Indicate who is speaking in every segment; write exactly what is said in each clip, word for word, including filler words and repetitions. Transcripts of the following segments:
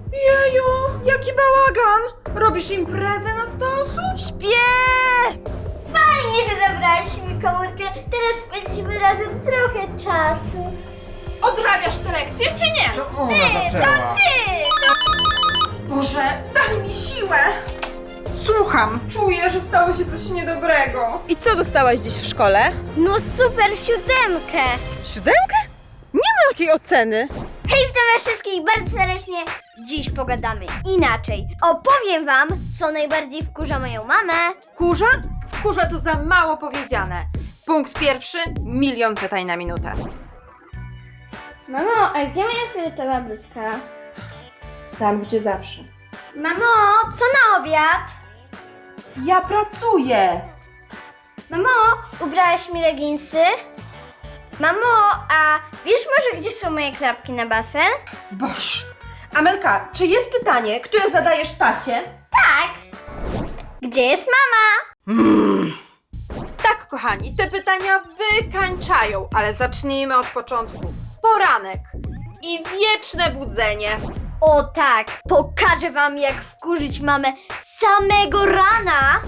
Speaker 1: Jeju, jaki bałagan! Robisz imprezę na sto osób?
Speaker 2: Śpię!
Speaker 3: Fajnie, że zabrałeś mi komórkę. Teraz spędzimy razem trochę czasu.
Speaker 1: Odrabiasz te lekcje, czy nie?
Speaker 4: To ona zaczęła.
Speaker 3: Ty!
Speaker 1: Boże, daj mi siłę! Słucham, czuję, że stało się coś niedobrego.
Speaker 2: I co dostałaś dziś w szkole?
Speaker 3: No super siódemkę.
Speaker 2: Siódemkę? Nie ma takiej oceny.
Speaker 3: Hej, witam wszystkich bardzo serdecznie. Dziś pogadamy inaczej. Opowiem wam, co najbardziej wkurza moją mamę.
Speaker 1: Kurza? Wkurza to za mało powiedziane. Punkt pierwszy, milion pytań na minutę.
Speaker 3: Mamo, a gdzie moja fioletowa bluzka?
Speaker 1: Tam, gdzie zawsze.
Speaker 3: Mamo, co na obiad?
Speaker 1: Ja pracuję!
Speaker 3: Mamo, ubrałaś mi leginsy? Mamo, a wiesz może, gdzie są moje klapki na basen?
Speaker 1: Boż! Amelka, czy jest pytanie, które zadajesz tacie?
Speaker 3: Tak. Gdzie jest mama?
Speaker 1: Tak, kochani, te pytania wykańczają, ale zacznijmy od początku. Poranek i wieczne budzenie.
Speaker 3: O tak, pokażę wam, jak wkurzyć mamę samego rana.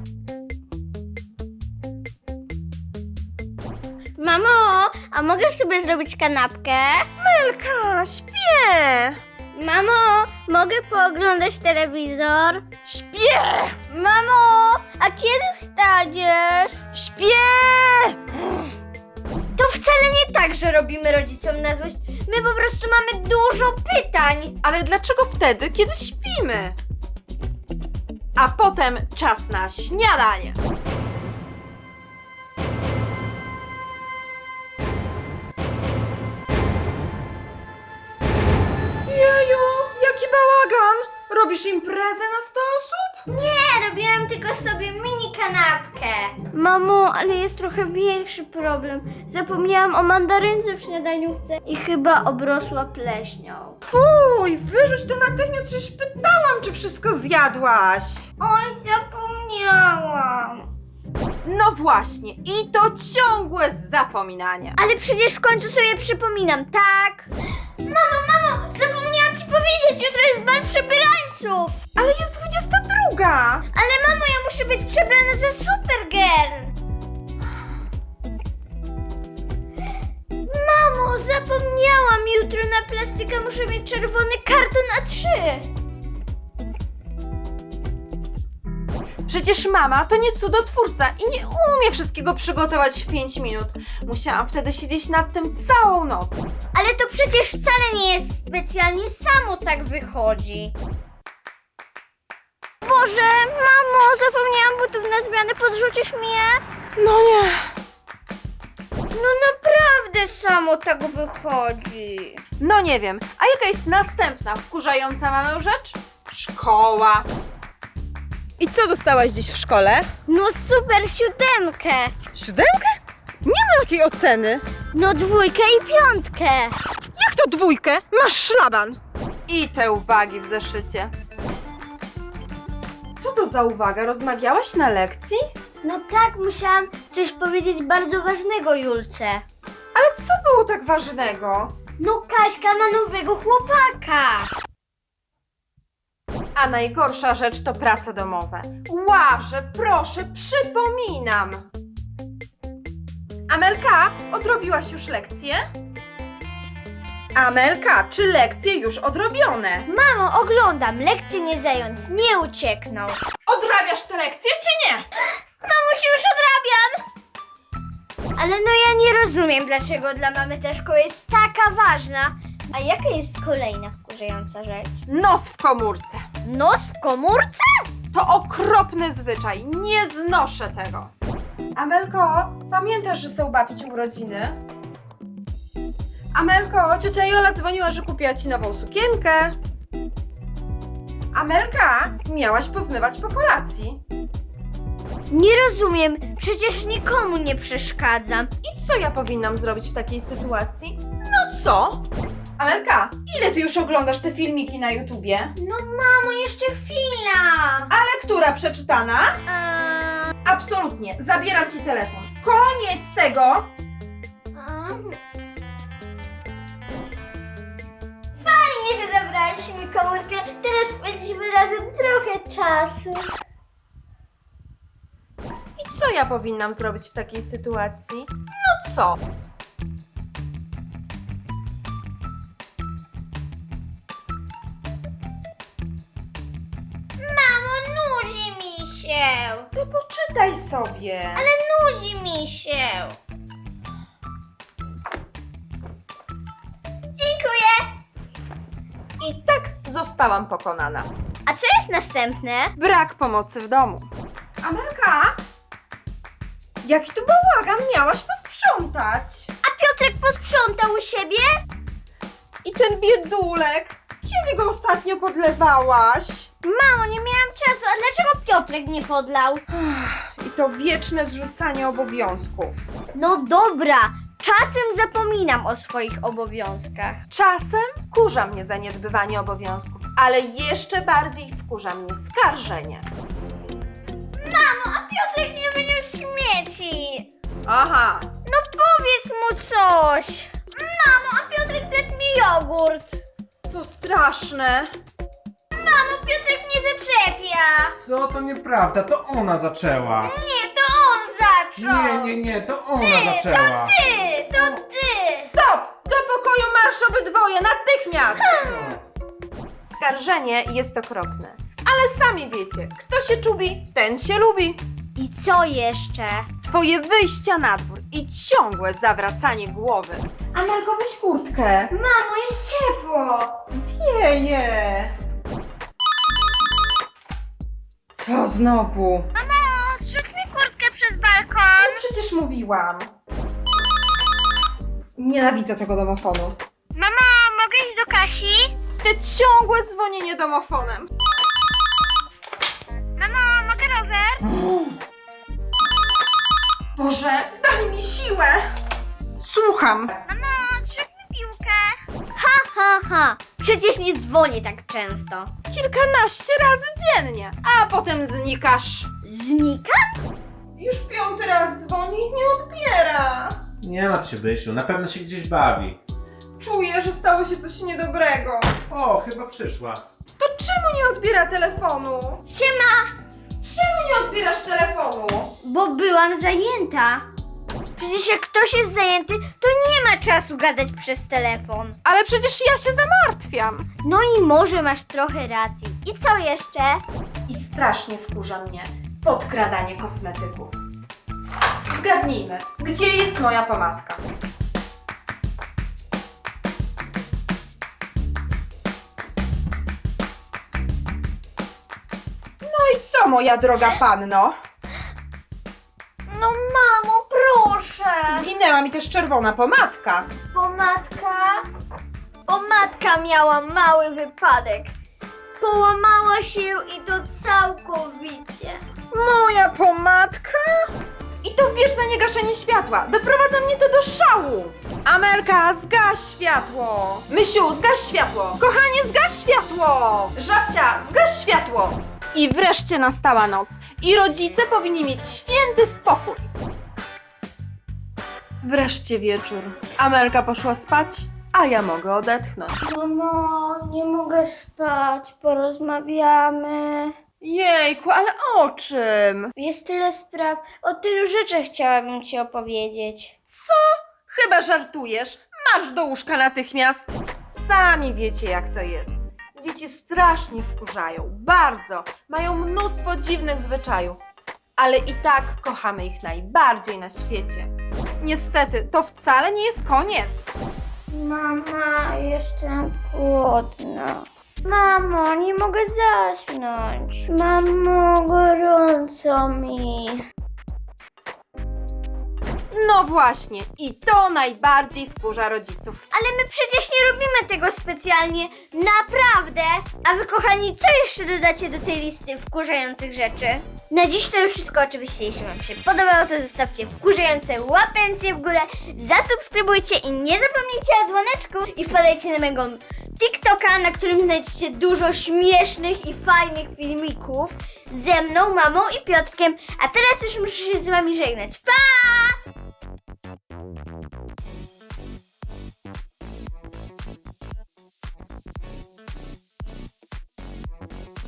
Speaker 3: Mamo, a mogę sobie zrobić kanapkę?
Speaker 2: Elka, śpię!
Speaker 3: Mamo, mogę pooglądać telewizor?
Speaker 2: Śpię!
Speaker 3: Mamo, a kiedy wstaniesz?
Speaker 2: Śpię!
Speaker 3: To wcale nie tak, że robimy rodzicom na złość. My po prostu mamy dużo pytań.
Speaker 1: Ale dlaczego wtedy, kiedy śpimy? A potem czas na śniadanie. Jeju, jaki bałagan! Robisz imprezę na sto osób?
Speaker 3: Nie, robiłam tylko sobie mini kanapkę. Mamo, ale jest trochę większy problem. Zapomniałam o mandarynce w śniadaniówce i chyba obrosła pleśnią.
Speaker 1: Fuj, wyrzuć to natychmiast, przecież pytałam, czy wszystko zjadłaś.
Speaker 3: Oj, zapomniałam.
Speaker 1: No właśnie, i to ciągłe zapominanie.
Speaker 3: Ale przecież w końcu sobie przypominam, tak? Mamo, mamo, zapomniałam ci powiedzieć, jutro jest bal przebierańców.
Speaker 1: Ale jest dwudziesta druga.
Speaker 3: Ale mamo, ja muszę być przebrana za Supergirl. Mamo, zapomniałam, jutro na plastykę muszę mieć czerwony karton A trzy.
Speaker 1: Przecież mama to nie cudotwórca i nie umie wszystkiego przygotować w pięć minut. Musiałam wtedy siedzieć nad tym całą noc.
Speaker 3: Ale to przecież wcale nie jest specjalnie, samo tak wychodzi. Boże, mamo, zapomniałam butów na zmianę, podrzucisz mi je?
Speaker 1: No nie.
Speaker 3: No naprawdę samo tak wychodzi.
Speaker 1: No nie wiem. A jaka jest następna wkurzająca mamę rzecz? Szkoła.
Speaker 2: I co dostałaś dziś w szkole?
Speaker 3: No super siódemkę.
Speaker 2: Siódemkę? Nie ma takiej oceny.
Speaker 3: No dwójkę i piątkę.
Speaker 2: Jak to dwójkę? Masz szlaban.
Speaker 1: I te uwagi w zeszycie. Co to za uwaga? Rozmawiałaś na lekcji?
Speaker 3: No tak, musiałam coś powiedzieć bardzo ważnego Julce.
Speaker 1: Ale co było tak ważnego?
Speaker 3: No Kaśka ma nowego chłopaka.
Speaker 1: A najgorsza rzecz to prace domowe. Łaże, proszę, przypominam. Amelka, odrobiłaś już lekcje? Amelka, czy lekcje już odrobione?
Speaker 3: Mamo, oglądam, lekcje nie zając, nie uciekną.
Speaker 1: Odrabiasz te lekcje, czy nie?
Speaker 3: Mamusiu, już odrabiam! Ale no ja nie rozumiem, dlaczego dla mamy ta szkoła jest taka ważna. A jaka jest kolejna wkurzająca rzecz?
Speaker 1: Nos w komórce.
Speaker 3: Nos w komórce?
Speaker 1: To okropny zwyczaj, nie znoszę tego. Amelko, pamiętasz, że są babci urodziny? Amelko, ciocia Jola dzwoniła, że kupiła ci nową sukienkę. Amelka, miałaś pozmywać po kolacji.
Speaker 3: Nie rozumiem, przecież nikomu nie przeszkadzam.
Speaker 1: I co ja powinnam zrobić w takiej sytuacji? No co? Amelka, ile ty już oglądasz te filmiki na YouTubie?
Speaker 3: No mamo, jeszcze chwila.
Speaker 1: Ale która przeczytana?
Speaker 3: Eee,
Speaker 1: Absolutnie, zabieram ci telefon. Koniec tego!
Speaker 3: Fajnie, że zabraliście mi komórkę. spędzimy razem trochę czasu.
Speaker 1: I co ja powinnam zrobić w takiej sytuacji? No co?
Speaker 3: Mamo, nudzi mi się.
Speaker 1: To poczytaj sobie.
Speaker 3: Ale nudzi mi się. Dziękuję.
Speaker 1: I tak zostałam pokonana.
Speaker 3: A co jest następne?
Speaker 1: Brak pomocy w domu. Amelka? Jaki tu bałagan, miałaś posprzątać.
Speaker 3: A Piotrek posprzątał u siebie?
Speaker 1: I ten biedulek, kiedy go ostatnio podlewałaś?
Speaker 3: Mamo, nie miałam czasu. A dlaczego Piotrek nie podlał?
Speaker 1: I to wieczne zrzucanie obowiązków.
Speaker 3: No dobra, czasem zapominam o swoich obowiązkach.
Speaker 1: Czasem wkurza mnie zaniedbywanie obowiązków, ale jeszcze bardziej wkurza mnie skarżenie.
Speaker 3: Mamo, a Piotrek nie wyniósł śmieci.
Speaker 1: Aha,
Speaker 3: No powiedz mu coś. Mamo, a Piotrek zjadł mi jogurt.
Speaker 1: to straszne.
Speaker 3: Mamo, Piotrek mnie zaczepia.
Speaker 4: Co? To nieprawda, to ona zaczęła.
Speaker 3: Nie, to on zaczął.
Speaker 4: Nie, nie, nie, to ona zaczęła.
Speaker 3: Ty, to ty.
Speaker 1: Stop! Do pokoju marsz obydwoje, natychmiast! Skarżenie jest okropne, ale sami wiecie, kto się czubi, ten się lubi.
Speaker 3: I co jeszcze?
Speaker 1: Twoje wyjścia na dwór i ciągłe zawracanie głowy. Amelko, weź kurtkę.
Speaker 3: Mamo, jest ciepło.
Speaker 1: Wieje. Co znowu?
Speaker 3: Mamo, zrzuć mi kurtkę przez
Speaker 1: No
Speaker 3: balkon.
Speaker 1: przecież mówiłam. Nienawidzę tego domofonu.
Speaker 3: Mamo, mogę iść do Kasi?
Speaker 1: Te ciągłe dzwonienie domofonem.
Speaker 3: Mamo, mogę rower?
Speaker 1: Boże, daj mi siłę. Słucham.
Speaker 3: Mamo, zrzuć mi piłkę. Ha, ha, ha. Przecież nie dzwonię tak często.
Speaker 1: Kilkanaście razy dziennie, a potem znikasz.
Speaker 3: Znika?
Speaker 1: Już piąty raz dzwoni i nie odbiera.
Speaker 4: Nie martw się, Bysiu, na pewno się gdzieś bawi.
Speaker 1: Czuję, że stało się coś niedobrego.
Speaker 4: O, chyba przyszła.
Speaker 1: To czemu nie odbiera telefonu?
Speaker 3: Siema.
Speaker 1: Czemu nie odbierasz telefonu?
Speaker 3: Bo byłam zajęta. Przecież jak ktoś jest zajęty, to nie ma czasu gadać przez telefon.
Speaker 1: Ale przecież ja się zamartwiam.
Speaker 3: No i może masz trochę racji. I co jeszcze?
Speaker 1: I strasznie wkurza mnie podkradanie kosmetyków. Zgadnijmy, gdzie jest moja pomadka? No i co, moja droga panno?
Speaker 3: No mamo, proszę.
Speaker 1: Zginęła mi też czerwona pomadka.
Speaker 3: Pomadka? Pomadka miała mały wypadek. Połamała się i to całkowicie.
Speaker 1: Moja pomadka? I to wieczne niegaszenie światła. Doprowadza mnie to do szału. Amelka, zgaś światło. Mysiu, zgaś światło. Kochanie, zgaś światło. Żabcia, zgaś światło. I wreszcie nastała noc. I rodzice powinni mieć święty spokój. Wreszcie wieczór. Amelka poszła spać, a ja mogę odetchnąć.
Speaker 3: Mamo, nie mogę spać, porozmawiamy.
Speaker 1: Jejku, ale o czym?
Speaker 3: Jest tyle spraw, o tylu rzeczach chciałabym ci opowiedzieć.
Speaker 1: Co? Chyba żartujesz. Marsz do łóżka natychmiast. Sami wiecie, jak to jest. Dzieci strasznie wkurzają, bardzo. Mają mnóstwo dziwnych zwyczajów. Ale i tak kochamy ich najbardziej na świecie. Niestety, to wcale nie jest koniec.
Speaker 3: Mama, jestem głodna. Mamo, nie mogę zasnąć. Mamo, gorąco mi.
Speaker 1: No właśnie, i to najbardziej wkurza rodziców.
Speaker 3: Ale my przecież nie robimy tego specjalnie, naprawdę. A wy, kochani, co jeszcze dodacie do tej listy wkurzających rzeczy? Na dziś to już wszystko. Oczywiście, jeśli wam się podobało, to zostawcie wkurzające łapencje w górę, zasubskrybujcie i nie zapomnijcie o dzwoneczku i wpadajcie na mojego TikToka, na którym znajdziecie dużo śmiesznych i fajnych filmików ze mną, mamą i Piotrkiem. A teraz już muszę się z wami żegnać. Pa!